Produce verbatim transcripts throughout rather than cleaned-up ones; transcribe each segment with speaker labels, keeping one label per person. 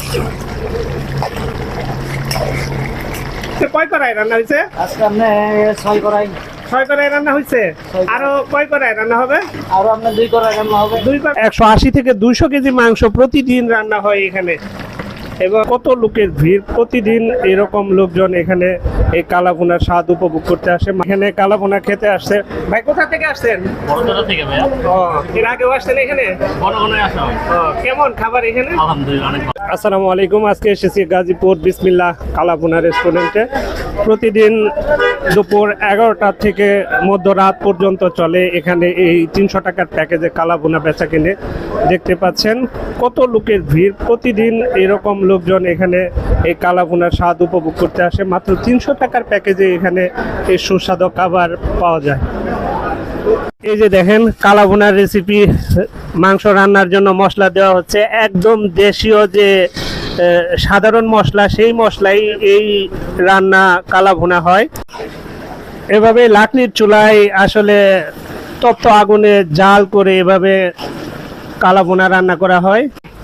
Speaker 1: কয় করাই রান্না হয়েছে?
Speaker 2: আজকে আপনি ছয় করাই
Speaker 1: ছয় করাই রান্না হয়েছে। আরো কয় করাই রান্না হবে?
Speaker 2: আরো আপনার দুই করাই রান্না হবে।
Speaker 1: দুই কড়াই। একশো আশি থেকে দুইশো কেজি মাংস প্রতিদিন রান্না হয় এখানে। এবং কত লোকের ভিড়, প্রতিদিন এরকম লোকজন এখানে এই কালাভুনার স্বাদ উপভোগ করতে আসে। এখানে কালাভুনা খেতে আসছে। ভাই কোথা থেকে আসছেন?
Speaker 3: বড় থেকে ভাইয়া।
Speaker 1: ও, এর আগেও আসছেন এখানে?
Speaker 3: বড় কোনো আসা হয়।
Speaker 1: ও, কেমন খাবার এখানে?
Speaker 3: আলহামদুলিল্লাহ অনেক ভালো।
Speaker 1: আসসালামু আলাইকুম। আজকে এসেছি গাজীপুর বিসমিল্লাহ কালাভুনা রেস্টুরেন্টে। প্রতিদিন দুপুর এগারোটা থেকে মধ্যরাত পর্যন্ত চলে এখানে এই তিনশো টাকার প্যাকেজে কালাভুনা বেচা কিনে। দেখতে পাচ্ছেন কত লোকের ভিড়, প্রতিদিন এরকম লোকজন এখানে এই কালাভুনার স্বাদ উপভোগ করতে আসে। মাত্র তিনশো টাকার প্যাকেজে এখানে এই সুস্বাদু খাবার পাওয়া যায়। এই যে দেখেন কালাভুনার রেসিপি, মাংস রান্নার জন্য মশলা দেওয়া হচ্ছে একদম দেশীয় যে সাধারণ মশলা, সেই মশলাই এই রান্না কালাভুনা হয়। এভাবে লাকড়ির চুলায় আসলে তপ্ত আগুনে জাল করে এভাবে কালাভুনা রান্না করা হয়।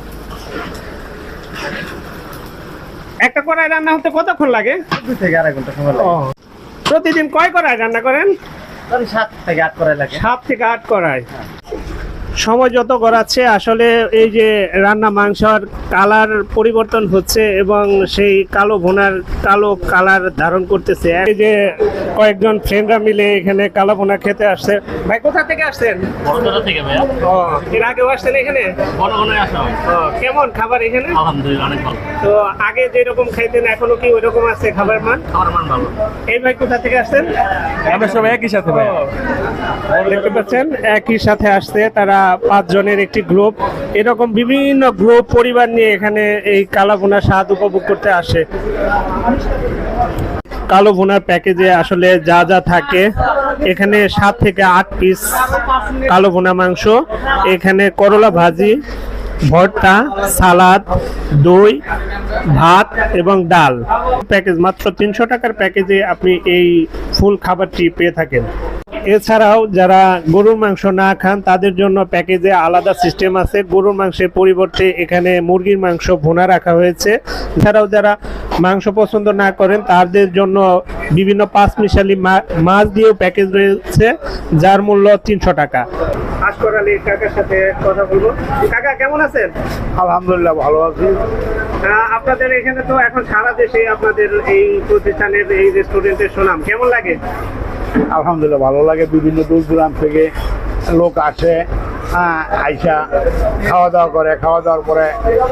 Speaker 1: একটা কড়াই রান্না হতে কতক্ষণ লাগে?
Speaker 2: দুই থেকে আড়াই ঘন্টা সময় লাগে।
Speaker 1: প্রতিদিন কয় কড়াই রান্না করেন?
Speaker 2: ধরেন সাত থেকে আট করাই লাগে।
Speaker 1: সাত থেকে আট কড়াই। সময় যত গড়াচ্ছে আসলে এই যে রান্না মাংসর কালার পরিবর্তন হচ্ছে এবং সেই কালো ভুনার কালো কালার ধারণ করতেছে। এই যে কয়েকজন ফ্রেন্ডরা মিলে এখানে কালো ভুনা খেতে আসছে। ভাই কোথা থেকে আসছেন?
Speaker 3: বড় থেকে ভাইয়া।
Speaker 1: ও, এর আগেও আসছেন এখানে?
Speaker 3: বড় কোনো আসা হয়।
Speaker 1: ও, কেমন খাবার এখানে?
Speaker 3: আলহামদুলিল্লাহ অনেক ভালো।
Speaker 1: তো আগে যেরকম খাইতেন এখনো কি ওইরকম আছে খাবার মান?
Speaker 3: আমার মান ভালো।
Speaker 1: এই ভাই কোথা থেকে আসছেন?
Speaker 3: আমরা সবাই একই সাথে ভাই।
Speaker 1: দেখতে পাচ্ছেন একই সাথে আসছে তারা, পাঁচ জনের একটি গ্রুপ। এরকম বিভিন্ন গ্রুপ পরিবার নিয়ে এখানে এই কালো ভুনার স্বাদ উপভোগ করতে আসে। কালো ভুনার প্যাকেজে আসলে যা যা থাকে এখানে সাত থেকে আট পিস কালো ভুনা মাংস, এখানে করলা ভাজি, ভর্তা, সালাদ, দই, ভাত এবং ডাল। প্যাকেজ মাত্র তিনশো টাকার প্যাকেজে আপনি এই ফুল খাবারটি পেয়ে থাকেন। এছাড়াও যারা গরুর মাংস না খান তাদের জন্য প্যাকেজে আলাদা সিস্টেম আছে। গরুর মাংসের পরিবর্তে এখানে মুরগির মাংস ভুনা রাখা হয়েছে। এছাড়াও যারা মাংস পছন্দ না করেন তাদের জন্য বিভিন্ন পাঁচমিশালি মাছ দিয়েও প্যাকেজ রয়েছে, যার মূল্য তিনশো টাকা। আশকর আলী কাকার সাথে কথা বলবো। কাকা কেমন আছেন?
Speaker 2: আলহামদুলিল্লাহ ভালো আছি।
Speaker 1: আপনাদের এখানে তো এখন সারা দেশে আপনাদের এই প্রতিষ্ঠানের এই রেস্টুরেন্টের সুনাম, কেমন লাগে?
Speaker 2: আলহামদুলিল্লাহ ভালো লাগে। বিভিন্ন দূর দূরান্ত থেকে লোক আসে, হ্যাঁ, আইসা খাওয়া দাওয়া করে। খাওয়া দাওয়ার পরে